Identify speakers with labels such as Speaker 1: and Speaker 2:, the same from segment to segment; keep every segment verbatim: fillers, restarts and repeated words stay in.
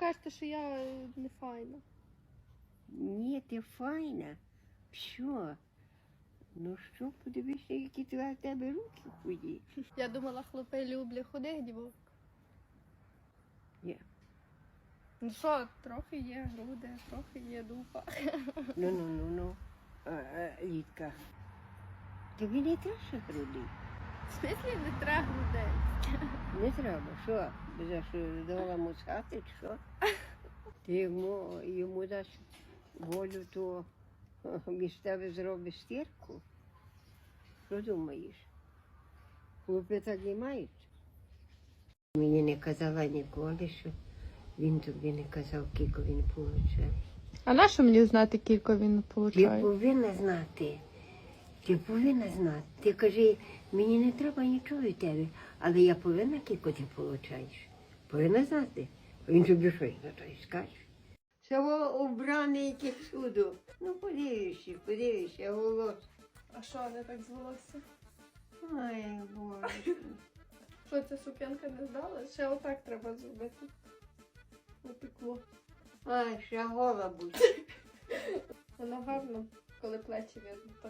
Speaker 1: кажете, що я е, не файна.
Speaker 2: Ні, ти файна. Що? Ну що, подивися, які твої в тебе руки худі.
Speaker 1: Я думала, хлопи люблять худих дівок.
Speaker 2: Ні.
Speaker 1: Ну що, трохи є груди, трохи є дупа.
Speaker 2: Ну, ну, ну, ну. А, а, Лідка. Тобі не треба ще груди.
Speaker 1: В смислі не треба грудей?
Speaker 2: Не треба. Що? За що давала мусати, чи що? Ти йому, йому дасть волю, то між тебе зробить стірку. Що думаєш? Хлопці так і мають. Мені не казала ніколи, що він тобі не казав, скільки він получає.
Speaker 1: А на що мені знати, кілько він
Speaker 2: Ти
Speaker 1: получає?
Speaker 2: повинна знати. Ти повинна знати. Ти кажи, мені не треба нічого від тебе, але я повинна, скільки ти получаєш. Повинна знати. Він тобі щось за то й скаже. Це обраний яке чудо. Ну, подивишся, подивишся, голос.
Speaker 1: А що, не так звелося?
Speaker 2: Ой, Боже.
Speaker 1: Що, ця сукенка не здала? Ще отак треба зробити. Опекло.
Speaker 2: Ай, ще гола буде.
Speaker 1: Воно гарно, коли плечі видно так.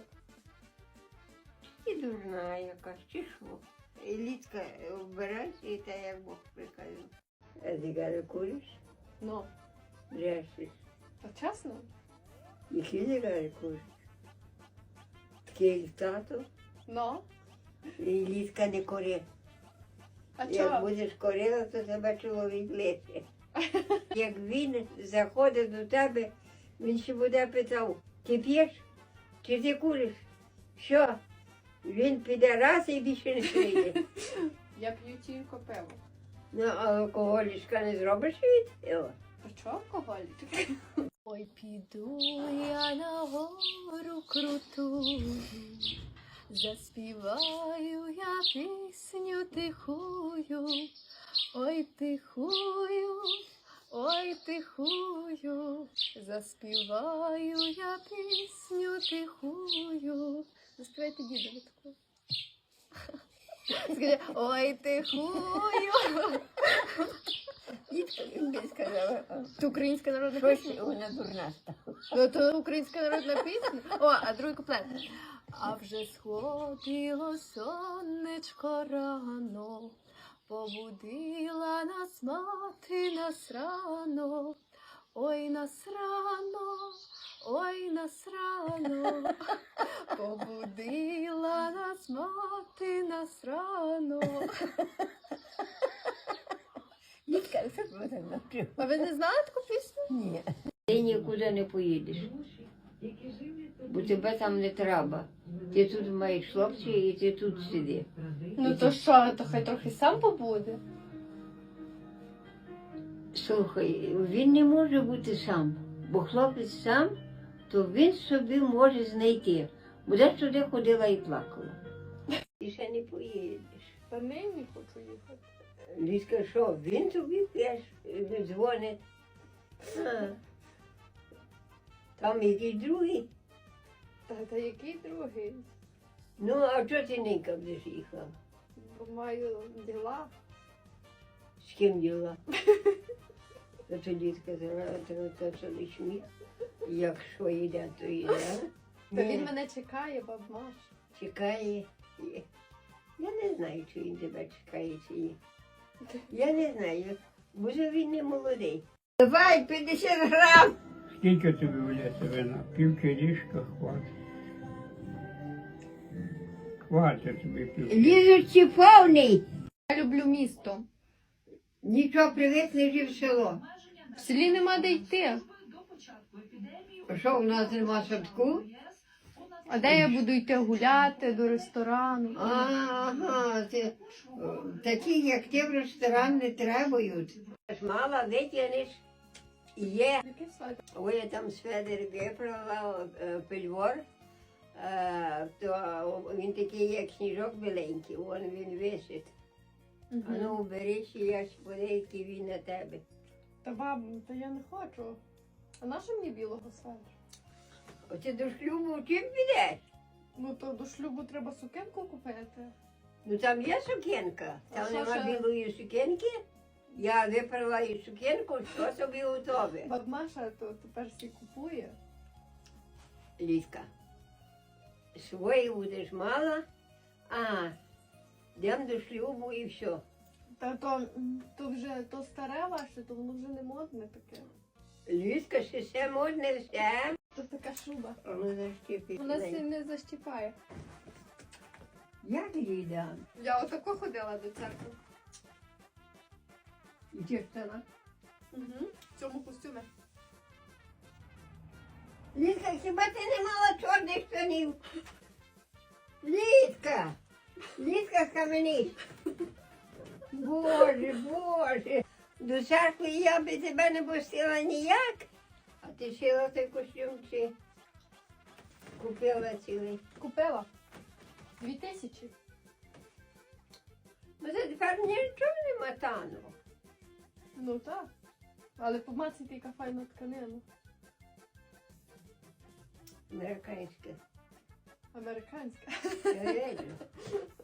Speaker 2: І дурна якась, чи що? І Лідка, вбирайся і та як Бог приказав. А ти каже, куриш?
Speaker 1: Ну,
Speaker 2: Брешеш.
Speaker 1: то чесно?
Speaker 2: Які ти каже, куриш? Такий як тато.
Speaker 1: Ну.
Speaker 2: І Лідка не кури.
Speaker 1: А
Speaker 2: Як
Speaker 1: чого?
Speaker 2: будеш курила, то тебе чоловік лише. Як він заходить до тебе, він ще буде питав, ти п'єш? Чи ти куриш? Що? Він піде раз і більше не прийде.
Speaker 1: Я п'ю тільки пиво.
Speaker 2: Ну, а алкоголічка не зробиш від пива?
Speaker 1: То чого алкоголік? Ой, піду я на гору круту, заспіваю я пісню тихую, ой, тихую, ой, тихую, заспіваю я пісню тихую. Заспівайте дідові таку. Скажи, ой, тихую.
Speaker 2: Дітка сказала,
Speaker 1: Це українська народна
Speaker 2: щось
Speaker 1: пісня?
Speaker 2: вона дурна стала.
Speaker 1: Ну, то українська народна пісня. О, а другий куплет. А вже сходило сонечко рано, побудила нас мати нас рано. Ой, нас рано, ой, нас рано, побудила нас мати нас рано.
Speaker 2: Дітка, що ти мене навчила?
Speaker 1: А ви не знали таку пісню?
Speaker 2: Ні. Ти нікуди не поїдеш, бо тебе там не треба. Ти тут маєш хлопця і ти тут сиди.
Speaker 1: Ну то що, то хай трохи сам побуде.
Speaker 2: Слухай, він не може бути сам, бо хлопець сам, то він собі може знайти. Буде сюди ходила і плакала. Ти ще не поїдеш.
Speaker 1: Та нині хочу їхати.
Speaker 2: Ліска, що, він тобі теж дзвонить. А. Там якийсь другий.
Speaker 1: Та, та який другий?
Speaker 2: Ну, а чого ти ненька будеш їхала?
Speaker 1: Бо маю діла.
Speaker 2: З ким діла? То тоді сказала, то, то це лиш міг. Якщо йде, то йде.
Speaker 1: Та
Speaker 2: Ні,
Speaker 1: він мене чекає, баб Маш.
Speaker 2: чекає. Я не знаю, чи він тебе чекає, чи ні. Я не знаю, може він не молодий. Давай, п'ятдесят грам!
Speaker 3: Скільки тобі влізе вина? Пів кілішка хватить. Хватить тобі пів.
Speaker 2: Лізуть ці повний.
Speaker 1: Я люблю місто.
Speaker 2: Нічого, привіт, лежи в село.
Speaker 1: В селі нема де йти.
Speaker 2: А що, у нас нема садку?
Speaker 1: А де я буду йти гуляти до ресторану?
Speaker 2: Ага, це, о, такі, як ти в ресторан не требують. Мала витягнеш, є.
Speaker 1: Яке свято?
Speaker 2: Ой, я там з Федер виправила е, пельвор, е, то він такий, як сніжок біленький, вон він висить. А ну, бери ще я сподейки, він на тебе.
Speaker 1: Та бабу, та я не хочу. А на що мені білого светра?
Speaker 2: Оце до шлюбу чим підеш?
Speaker 1: Ну то до шлюбу треба сукенку купити.
Speaker 2: Ну там є сукенка,
Speaker 1: А
Speaker 2: там
Speaker 1: що
Speaker 2: нема
Speaker 1: ще?
Speaker 2: білої сукенки. Я виправила і сукенку, що собі готове.
Speaker 1: Баб Маша то тепер всі купує.
Speaker 2: Ліска, свої будеш мала, а йдемо до шлюбу і все.
Speaker 1: Та то, м, то вже то старе ваше, то воно вже не модне таке.
Speaker 2: Ліска, ще все модне, все.
Speaker 1: То така шуба.
Speaker 2: Ну, защіпить.
Speaker 1: Вона сі не защіпає.
Speaker 2: Як їй дам?
Speaker 1: Я отако ходила до церкви.
Speaker 2: І дівчина.
Speaker 1: Угу. В цьому костюмі.
Speaker 2: Ліска, хіба ти не мала чорних штанів? Ліска! Ліска каменіст! Боже, Боже! До церкви я би тебе не пустила ніяк, а ти шила той костюм чи купила цілий.
Speaker 1: Купила. Дві тисячі.
Speaker 2: Ну це тепер нічого нема таного.
Speaker 1: Ну так. Але помацайте, яка файна тканина.
Speaker 2: Американське.
Speaker 1: Американська.
Speaker 2: Серйозно.